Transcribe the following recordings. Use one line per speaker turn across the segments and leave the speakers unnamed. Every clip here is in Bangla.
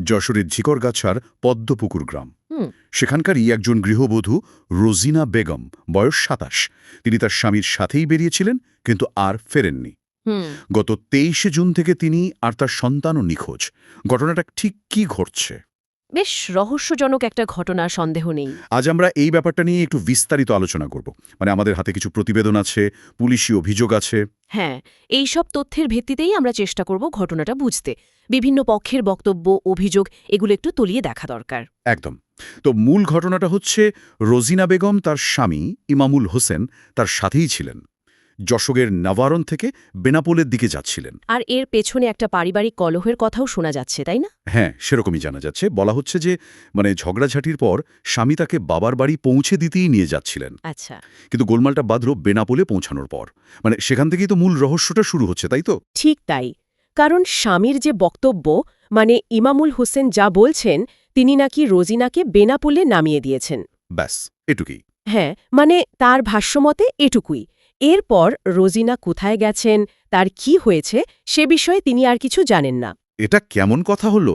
যশোরের ঝিকরগাছার পদ্মপুকুর গ্রাম।
হুম।
সেখানকারই একজন গৃহবধূ রোজিনা বেগম, বয়স ২৭। তিনি তার স্বামীর সাথেই বেরিয়েছিলেন, কিন্তু আর ফেরেননি।
হুম।
গত ২৩ জুন থেকে তিনি আর তার সন্তানও নিখোঁজ। ঘটনাটা ঠিক কি ঘটছে?
বেশ রহস্যজনক একটা ঘটনা, সন্দেহ নেই।
আজ আমরা এই ব্যাপারটা নিয়ে একটু বিস্তারিত আলোচনা করব। আমাদের হাতে কিছু প্রতিবেদন আছে, পুলিশি অভিযোগ আছে।
হ্যাঁ, এই সব তথ্যের ভিত্তিতেই আমরা চেষ্টা করব ঘটনাটা বুঝতে। বিভিন্ন পক্ষের বক্তব্য, অভিযোগ এগুলো একটু তলিয়ে দেখা দরকার।
একদম। তো মূল ঘটনাটা হচ্ছে, রোজিনা বেগম তার স্বামী ইমামুল হোসেন তার সাথেই ছিলেন। যশোরের নাভারণ থেকে বেনাপোলের দিকে যাচ্ছিলেন।
আর এর পেছনে একটা পারিবারিক কলহের কথাও শোনা যাচ্ছে, তাই না?
হ্যাঁ, সেরকমই জানা যাচ্ছে। বলা হচ্ছে যে ঝগড়াঝাটির পর স্বামী তাকে বাবার বাড়ি পৌঁছে দিতেই নিয়ে যাচ্ছিলেন।
আচ্ছা।
কিন্তু গোলমালটা বাঁধল বেনাপোলে পৌঁছানোর পর। সেখান থেকেই তো মূল রহস্যটা শুরু হচ্ছে, তাই তো?
ঠিক তাই। কারণ স্বামীর যে বক্তব্য, ইমামুল হোসেন যা বলছেন, তিনি নাকি রোজিনাকে বেনাপোলে নামিয়ে দিয়েছেন।
ব্যাস, এটুকুই।
হ্যাঁ, তার ভাষ্যমতে এটুকুই। এরপর রোজিনা কোথায় গেছেন, তার কি হয়েছে, সে বিষয়ে তিনি আর কিছু জানেন না।
এটা কেমন কথা হলো?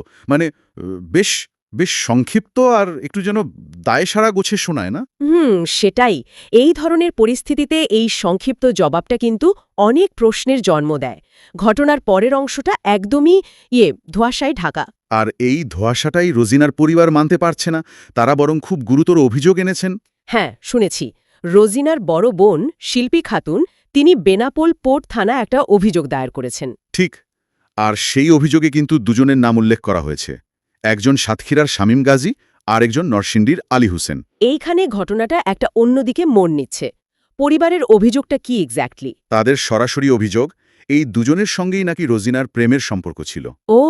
বেশ বেশ সংক্ষিপ্ত আর একটু যেন দায়সারা গোছে শোনায় না?
সেটাই। এই ধরনের পরিস্থিতিতে এই সংক্ষিপ্ত জবাবটা কিন্তু অনেক প্রশ্নের জন্ম দেয়। ঘটনার পরের অংশটা একদমই ধোঁয়াশায় ঢাকা।
আর এই ধোঁয়াশাটাই রোজিনার পরিবার মানতে পারছে না। তারা বরং খুব গুরুতর অভিযোগ এনেছেন।
হ্যাঁ, শুনেছি। রোজিনার বড় বোন শিল্পী খাতুন, তিনি বেনাপোল পোর্ট থানায় একটা অভিযোগ দায়ের করেছেন।
ঠিক। আর সেই অভিযোগে কিন্তু দুজনের নাম উল্লেখ করা হয়েছে। একজন সাতক্ষীরার শামীম গাজী, আর একজন নরসিংদীর আলী হোসেন।
এইখানে ঘটনাটা একটা অন্যদিকে মোড় নিচ্ছে। পরিবারের অভিযোগটা কি এক্স্যাক্টলি?
তাদের সরাসরি অভিযোগ, এই দুজনের সঙ্গেই নাকি রোজিনার প্রেমের সম্পর্ক ছিল।
ও,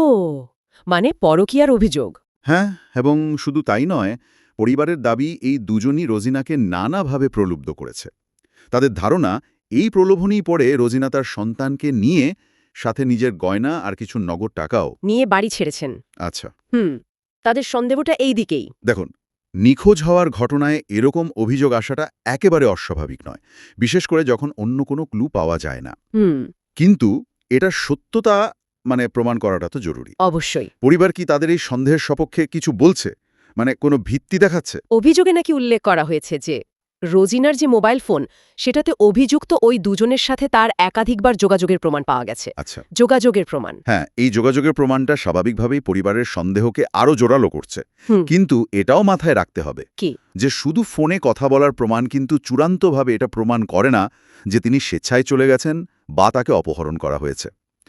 পরকীয়ার অভিযোগ।
হ্যাঁ, এবং শুধু তাই নয়, পরিবারের দাবি এই দুজনই রোজিনাকে নানাভাবে প্রলুব্ধ করেছে। তাদের ধারণা, এই প্রলোভনই পরে রোজিনা তার সন্তানকে নিয়ে, সাথে নিজের গয়না আর কিছু নগদ টাকাও
নিয়ে বাড়ি ছেড়েছেন।
আচ্ছা,
তাদের সন্দেহটা এই দিকেই।
দেখুন, নিখোঁজ হওয়ার ঘটনায় এরকম অভিযোগ আসাটা একেবারে অস্বাভাবিক নয়, বিশেষ করে যখন অন্য কোনো ক্লু পাওয়া যায় না। কিন্তু এটার সত্যতা প্রমাণ করাটা তো জরুরি।
অবশ্যই।
পরিবার কি তাদের এই সন্দেহের সপক্ষে কিছু বলছে? কোনো ভিত্তি দেখাচ্ছে?
অভিযোগে নাকি উল্লেখ করা হয়েছে যে রোজিনার যে মোবাইল ফোন, সেটাতে অভিযুক্ত ওই দুজনের সাথে তার একাধিকবার যোগাযোগের প্রমাণ পাওয়া গেছে।
আচ্ছা,
যোগাযোগের প্রমাণ।
হ্যাঁ, এই যোগাযোগের প্রমাণটা স্বাভাবিকভাবেই পরিবারের সন্দেহকে আরও জোরালো করছে। কিন্তু এটাও মাথায় রাখতে হবে
কি,
যে শুধু ফোনে কথা বলার প্রমাণ কিন্তু চূড়ান্তভাবে এটা প্রমাণ করে না যে তিনি স্বেচ্ছায় চলে গেছেন বা তাকে অপহরণ করা হয়েছে।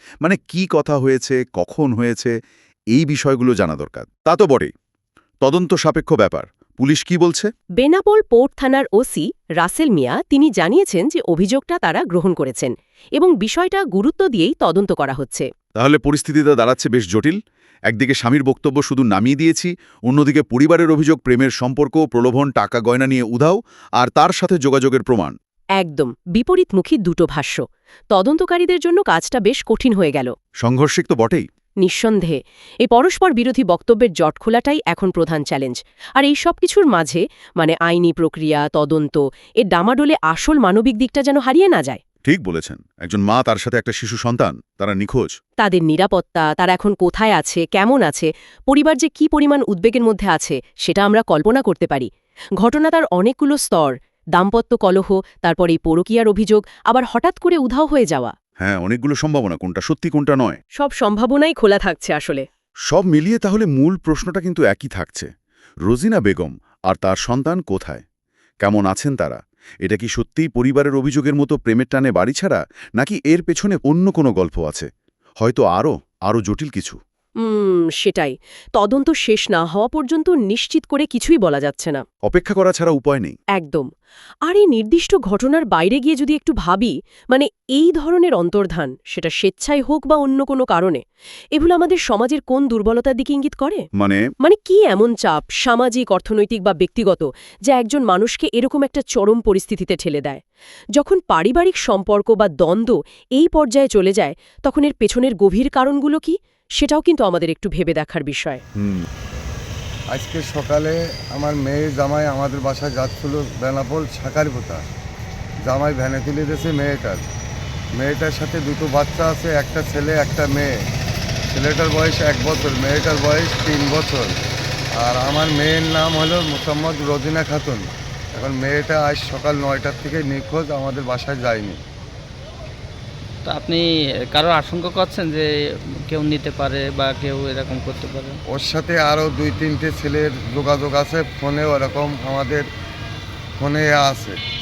কি কথা হয়েছে, কখন হয়েছে, এই বিষয়গুলো জানা দরকার। তা তো বটেই। তদন্ত সাপেক্ষ ব্যাপার। পুলিশ কি বলছে?
বেনাপোল পোর্ট থানার ওসি রাসেল মিয়া, তিনি জানিয়েছেন যে অভিযোগটা তারা গ্রহণ করেছেন এবং বিষয়টা গুরুত্ব দিয়েই তদন্ত করা হচ্ছে।
তাহলে পরিস্থিতিটা দাঁড়াচ্ছে বেশ জটিল। একদিকে স্বামীর বক্তব্য শুধু নামিয়ে দিয়েছি, অন্যদিকে পরিবারের অভিযোগ প্রেমের সম্পর্ক, প্রলোভন, টাকা গয়না নিয়ে উধাও, আর তার সাথে যোগাযোগের প্রমাণ।
একদম বিপরীতমুখী দুটো ভাষ্য। তদন্তকারীদের জন্য কাজটা বেশ কঠিন হয়ে গেল।
সংঘর্ষিক তো বটেই।
নিঃসন্দেহে এই পরস্পর বিরোধী বক্তব্যের জট খোলাটাই এখন প্রধান চ্যালেঞ্জ। আর এই সব কিছুর মাঝে আইনি প্রক্রিয়া, তদন্ত, এর ডামাডোলে আসল মানবিক দিকটা যেন হারিয়ে না যায়।
ঠিক বলেছেন। একজন মা, তার সাথে একটা শিশু সন্তান, তারা নিখোঁজ।
তাদের নিরাপত্তা, তারা এখন কোথায় আছে, কেমন আছে, পরিবার যে কি পরিমাণ উদ্বেগের মধ্যে আছে, সেটা আমরা কল্পনা করতে পারি। ঘটনা তার অনেকগুলো স্তর, দাম্পত্য কলহ, তারপর এই পরকীয়ার অভিযোগ, আবার হঠাৎ করে উধাও হয়ে যাওয়া।
হ্যাঁ, অনেকগুলো সম্ভাবনা, কোনটা সত্যি কোনটা নয়।
সব সম্ভাবনাই খোলা থাকছে আসলে।
সব মিলিয়ে তাহলে মূল প্রশ্নটা কিন্তু একই থাকছে। রোজিনা বেগম আর তার সন্তান কোথায়, কেমন আছেন তারা? এটা কি সত্যিই পরিবারের অভিযোগের মতো প্রেমের টানে বাড়ি ছাড়া, নাকি এর পেছনে অন্য কোনো গল্প আছে? হয়তো আরও জটিল কিছু।
সেটাই। তদন্ত শেষ না হওয়া পর্যন্ত নিশ্চিত করে কিছুই বলা যাচ্ছে না।
অপেক্ষা করা ছাড়া উপায় নেই।
একদম। আর এই নির্দিষ্ট ঘটনার বাইরে গিয়ে যদি একটু ভাবি, এই ধরনের অন্তর্ধান, সেটা স্বেচ্ছায় হোক বা অন্য কোনো কারণে, এগুলো আমাদের সমাজের কোন দুর্বলতার দিকে ইঙ্গিত করে? কি এমন চাপ, সামাজিক, অর্থনৈতিক বা ব্যক্তিগত, যা একজন মানুষকে এরকম একটা চরম পরিস্থিতিতে ঠেলে দেয়? যখন পারিবারিক সম্পর্ক বা দ্বন্দ্ব এই পর্যায়ে চলে যায়, তখন এর পেছনের গভীর কারণগুলো কি, সেটাও কিন্তু আমাদের একটু ভেবে দেখার বিষয়।
আজকে সকালে আমার মেয়ে জামাই আমাদের বাসায় যাচ্ছিল বেনাপোল শাকারিপোতা। জামাই ভ্যানে তুলে দিয়েছে মেয়েটার সাথে দুটো বাচ্চা আছে, একটা ছেলে একটা মেয়ে। ছেলেটার বয়স 1 বছর, মেয়েটার বয়স 3 বছর। আর আমার মেয়ের নাম হলো মোসাম্মদ রোজিনা খাতুন। এখন মেয়েটা আজ সকাল 9টার থেকে নিখোঁজ, আমাদের বাসায় যায়নি।
তো আপনি কারো আশঙ্কা করছেন যে কেউ নিতে পারে বা কেউ এরকম করতে পারে?
ওর সাথে আরও 2-3টে ছেলের যোগাযোগ আছে, ফোনেও এরকম আমাদের ফোনে আছে।